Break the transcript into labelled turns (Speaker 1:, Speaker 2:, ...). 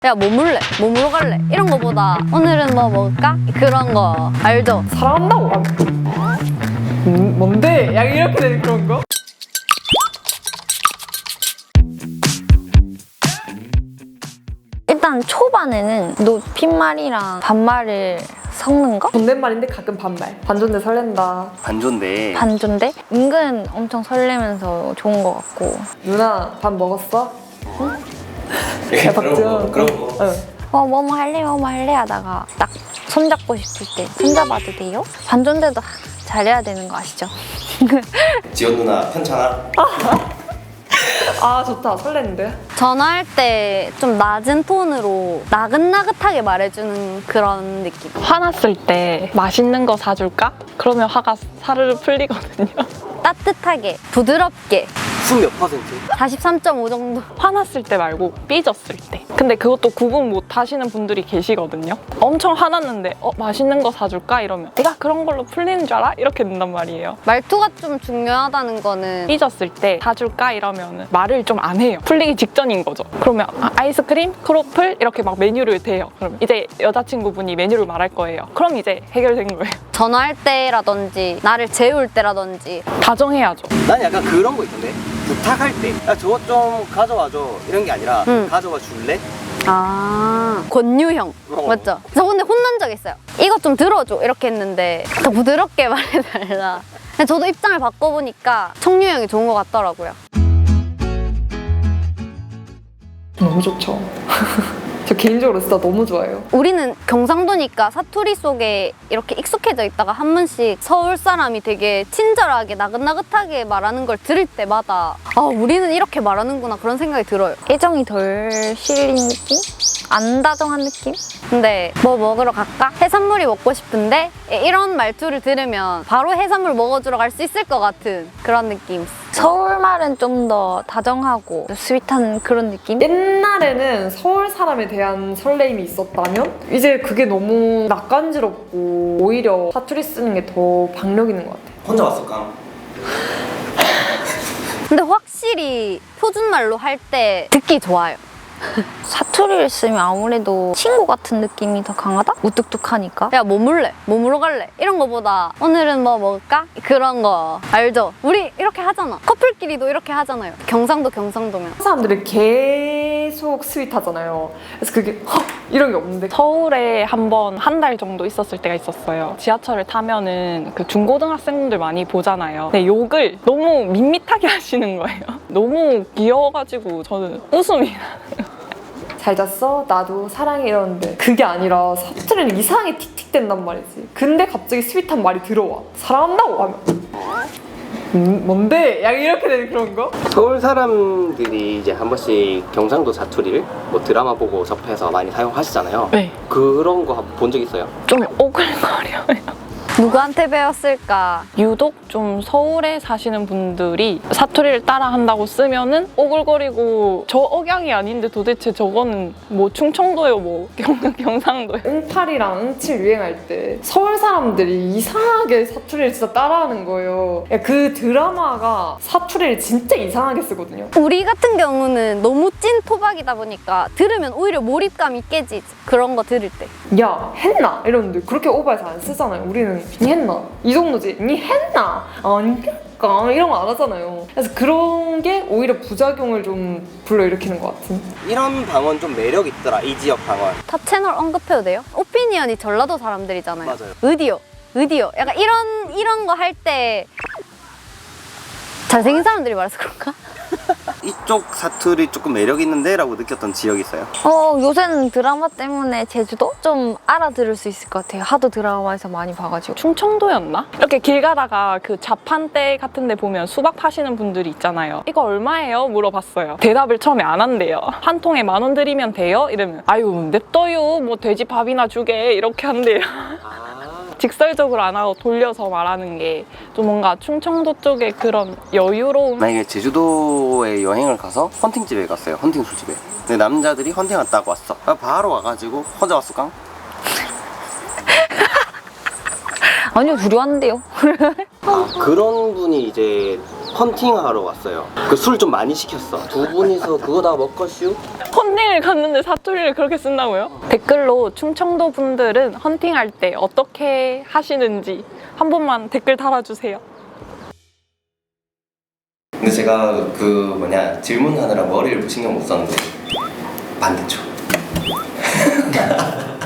Speaker 1: 야, 뭐 물래? 뭐 물어 갈래? 이런 거보다 오늘은 뭐 먹을까? 그런 거 알죠?
Speaker 2: 사랑한다고 뭔데? 약간 이렇게 되는 그런 거?
Speaker 3: 일단 초반에는 높임말이랑 반말을 섞는 거?
Speaker 2: 존댓말인데 가끔 반말. 반존대 설렌다.
Speaker 4: 반존대.
Speaker 3: 반존대? 은근 엄청 설레면서 좋은 것 같고.
Speaker 2: 누나 밥 먹었어? 응? 야,
Speaker 4: 그런 거, 그런 거.
Speaker 2: 응.
Speaker 3: 뭐뭐 할래 뭐뭐 할래 하다가 딱 손잡고 싶을 때 손잡아도 돼요? 반존대도 잘해야 되는 거 아시죠?
Speaker 4: 지연 누나 편찮아?
Speaker 2: 아 좋다. 설레는데?
Speaker 1: 전화할 때 좀 낮은 톤으로 나긋나긋하게 말해주는 그런 느낌.
Speaker 5: 화났을 때 맛있는 거 사줄까? 그러면 화가 사르르 풀리거든요.
Speaker 1: 따뜻하게, 부드럽게,
Speaker 4: 숨 몇 퍼센트?
Speaker 1: 43.5 정도.
Speaker 5: 화났을 때 말고 삐졌을 때. 근데 그것도 구분 못 하시는 분들이 계시거든요. 엄청 화났는데 맛있는 거 사줄까? 이러면 내가 그런 걸로 풀리는 줄 알아? 이렇게 된단 말이에요.
Speaker 1: 말투가 좀 중요하다는 거는
Speaker 5: 삐졌을 때 사줄까? 이러면 말을 좀 안 해요. 풀리기 직전인 거죠. 그러면 아이스크림, 크로플 이렇게 막 메뉴를 대요. 그러면 이제 여자친구분이 메뉴를 말할 거예요. 그럼 이제 해결된 거예요.
Speaker 1: 전화할 때라든지 나를 재울 때라든지
Speaker 5: 다정해야죠.
Speaker 4: 난 약간 그런 거 있던데. 부탁할 때, 야 저거 좀 가져와줘 이런 게 아니라 가져와 줄래?
Speaker 1: 권유형 맞죠? 저 근데 혼난 적 있어요. 이거 좀 들어줘 이렇게 했는데 더 부드럽게 말해달라. 근데 저도 입장을 바꿔보니까 청유형이 좋은 것 같더라고요.
Speaker 2: 너무 좋죠. 저 개인적으로 진짜 너무 좋아해요.
Speaker 1: 우리는 경상도니까 사투리 속에 이렇게 익숙해져 있다가 한 번씩 서울 사람이 되게 친절하게 나긋나긋하게 말하는 걸 들을 때마다 아 우리는 이렇게 말하는구나 그런 생각이 들어요.
Speaker 3: 애정이 덜 실린 느낌? 안 다정한 느낌?
Speaker 1: 근데 뭐 먹으러 갈까? 해산물이 먹고 싶은데 이런 말투를 들으면 바로 해산물 먹어주러 갈 수 있을 것 같은 그런 느낌.
Speaker 3: 서울말은 좀 더 다정하고 스윗한 그런 느낌?
Speaker 2: 옛날에는 서울 사람에 대한 설레임이 있었다면 이제 그게 너무 낯간지럽고 오히려 사투리 쓰는 게 더 박력 있는 것 같아요.
Speaker 4: 혼자 왔을까?
Speaker 1: 근데 확실히 표준말로 할 때 듣기 좋아요.
Speaker 3: 사투리를 쓰면 아무래도 친구 같은 느낌이 더 강하다? 무뚝뚝하니까.
Speaker 1: 야, 뭐 물래? 뭐 물어 갈래? 이런 거보다 오늘은 뭐 먹을까? 그런 거 알죠? 우리 이렇게 하잖아. 커플끼리도 이렇게 하잖아요. 경상도면.
Speaker 2: 사람들이 계속 스윗하잖아요. 그래서 그게 이런 게 없는데
Speaker 5: 서울에 한 번 한 달 정도 있었을 때가 있었어요. 지하철을 타면은 그 중고등학생분들 많이 보잖아요. 근데 욕을 너무 밋밋하게 하시는 거예요. 너무 귀여워가지고 저는 웃음이 나요.
Speaker 2: 잘 잤어? 나도 사랑해 이러는데 그게 아니라 사투리는 이상하게 틱틱댄단 말이지. 근데 갑자기 스윗한 말이 들어와. 사랑한다고 하면 뭔데? 약간 이렇게 되는 그런 거?
Speaker 4: 서울 사람들이 이제 한 번씩 경상도 사투리를 뭐 드라마 보고 접해서 많이 사용하시잖아요.
Speaker 5: 네.
Speaker 4: 그런 거 본 적 있어요?
Speaker 5: 좀 오글거려요.
Speaker 1: 누구한테 배웠을까?
Speaker 5: 유독 좀 서울에 사시는 분들이 사투리를 따라 한다고 쓰면은 오글거리고 저 억양이 아닌데 도대체 저거는 뭐 충청도요 뭐 경상도요.
Speaker 2: 응팔이랑 응칠 유행할 때 서울 사람들이 이상하게 사투리를 진짜 따라하는 거예요. 그 드라마가 사투리를 진짜 이상하게 쓰거든요.
Speaker 1: 우리 같은 경우는 너무 찐 토박이다 보니까 들으면 오히려 몰입감이 깨지지. 그런 거 들을 때.
Speaker 2: 야 했나? 이러는데 그렇게 오버해서 안 쓰잖아요. 우리는 니 했나? 이 정도지. 니 했나? 아니까 이런 거 안 하잖아요. 그래서 그런 게 오히려 부작용을 좀 불러일으키는 것 같은.
Speaker 4: 이런 방언 좀 매력 있더라. 이 지역 방언.
Speaker 1: 타 채널 언급해도 돼요? 오피니언이 전라도 사람들이잖아요.
Speaker 4: 맞아요.
Speaker 1: 의디요. 약간 이런 거 할 때 잘생긴 사람들이 말해서 그런가?
Speaker 4: 이쪽 사투리 조금 매력 있는데? 라고 느꼈던 지역이 있어요?
Speaker 3: 요새는 드라마 때문에 제주도 좀 알아들을 수 있을 것 같아요. 하도 드라마에서 많이 봐가지고.
Speaker 5: 충청도였나? 이렇게 길 가다가 그 자판대 같은 데 보면 수박 파시는 분들이 있잖아요. 이거 얼마예요? 물어봤어요. 대답을 처음에 안 한대요. 한 통에 10,000원 드리면 돼요? 이러면 아유 냅둬요. 뭐 돼지밥이나 주게 이렇게 한대요. 직설적으로 안 하고 돌려서 말하는 게 좀 뭔가 충청도 쪽에 그런 여유로움.
Speaker 4: 만약에 제주도에 여행을 가서 헌팅집에 갔어요. 헌팅 술집에. 근데 남자들이 헌팅 갔다고 왔어. 바로 와가지고 혼자 왔을까?
Speaker 3: 아니요, 둘이 왔는데요.
Speaker 4: 그런 분이 이제 헌팅하러 왔어요. 그 술 좀 많이 시켰어. 두 분이서 그거 다 먹겠슈?
Speaker 5: 헌팅을 갔는데 사투리를 그렇게 쓴다고요? 댓글로 충청도 분들은 헌팅할 때 어떻게 하시는지 한 번만 댓글 달아주세요.
Speaker 4: 근데 제가 그 질문하느라 머리를 신경 못 썼는데 반대죠.